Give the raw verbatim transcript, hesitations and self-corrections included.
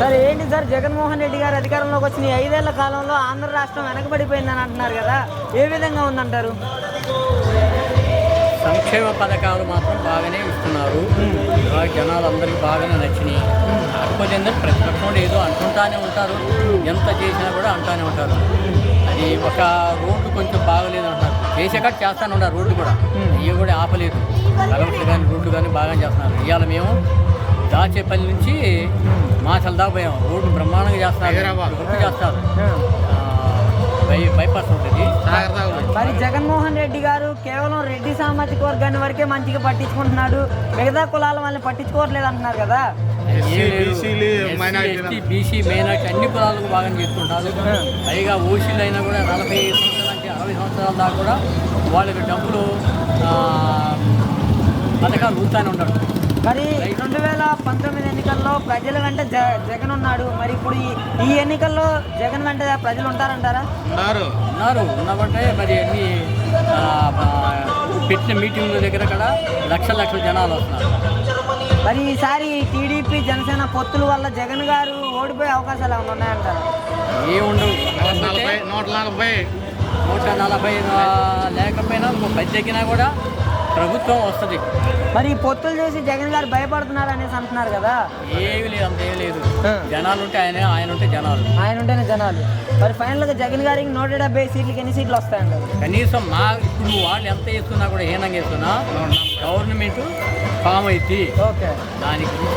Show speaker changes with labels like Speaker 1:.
Speaker 1: Sir ఏంటి sir Jaganmohan Reddy గారు అధికారంలోకి వచ్చిన ఈ ఐదేళ్ల కాలంలో ఆంధ్ర రాష్ట్రం వెనకబడిపోయిందని అంటున్నారు కదా, ఏ విధంగా ఉందంటారు?
Speaker 2: సంక్షేమ పథకాలు మాత్రం బాగానే ఇస్తున్నారు. బాగా జనాలు అందరికీ బాగానే నచ్చినాయి. కాకపోతే ఏంటంటే ప్రతిపక్షం ఏదో అంటుంటానే ఉంటారు, ఎంత చేసినా కూడా అంటానే ఉంటారు. అది ఒక రోడ్డు కొంచెం బాగలేదు అంటున్నారు, చేసేకట్ చేస్తానే ఉన్నారు. రోడ్డు కూడా ఇవి కూడా ఆపలేదు. కలవట్లు కానీ రోడ్లు కానీ బాగా చేస్తున్నారు. ఇవాళ మేము దాచేపల్లి నుంచి మాచల్ దాకా పోయాం. రోడ్డు బ్రహ్మాండంగా చేస్తున్నారు, గుర్తు చేస్తారు. బై బైపాస్ ఉంటుంది.
Speaker 1: మరి జగన్మోహన్ రెడ్డి గారు కేవలం రెడ్డి సామాజిక వర్గాన్ని వరకే మంచిగా పట్టించుకుంటున్నాడు, మిగతా కులాల వాళ్ళని పట్టించుకోవట్లేదు అంటున్నారు కదా.
Speaker 2: బీసీ మైనార్టీ అన్ని కులాలకు బాగా చేస్తుంటారు. పైగా ఓసీలు అయినా కూడా నలభై సంవత్సరాల నుంచి అరవై సంవత్సరాల దాకా కూడా వాళ్ళకి డబ్బులు పథకాలు ఊతానే ఉంటారు.
Speaker 1: మరి రెండు వేల పంతొమ్మిది ఎన్నికల్లో ప్రజల వెంట జ జగన్ ఉన్నాడు. మరి ఇప్పుడు ఈ ఎన్నికల్లో జగన్ వెంట ప్రజలు ఉంటారంటారా?
Speaker 2: ఉన్నారు ఉన్నారు ఉన్నామంటే మరి అన్ని పెట్టిన మీటింగ్ల దగ్గర కూడా లక్షల లక్షల జనాలు వస్తున్నారు.
Speaker 1: మరి ఈసారి టీడీపీ జనసేన పొత్తుల వల్ల జగన్ గారు ఓడిపోయే అవకాశాలు ఏమైనా ఉన్నాయంటారా?
Speaker 2: ఏముండవు. నూట నలభై నూట నలభై లేకపోయినా పది తగ్గినా కూడా ప్రభుత్వం వస్తుంది.
Speaker 1: మరి పొత్తులు చేసి జగన్ గారు భయపడుతున్నారు అనేసి అంటున్నారు కదా.
Speaker 2: ఏమి లేదు, అంత ఏమి లేదు. జనాలు ఉంటే ఆయన ఆయన ఉంటే జనాలు
Speaker 1: ఆయన ఉంటేనే జనాలు. మరి ఫైనల్గా జగన్ గారికి నూట డెబ్బై సీట్లకి ఎన్ని సీట్లు వస్తాయంటారు?
Speaker 2: కనీసం మా ఇప్పుడు వాళ్ళు ఎంత చేస్తున్నా కూడా హీనంగా చేస్తున్నా గవర్నమెంట్ ఫామ్ అయింది.
Speaker 1: ఓకే,
Speaker 2: దానికి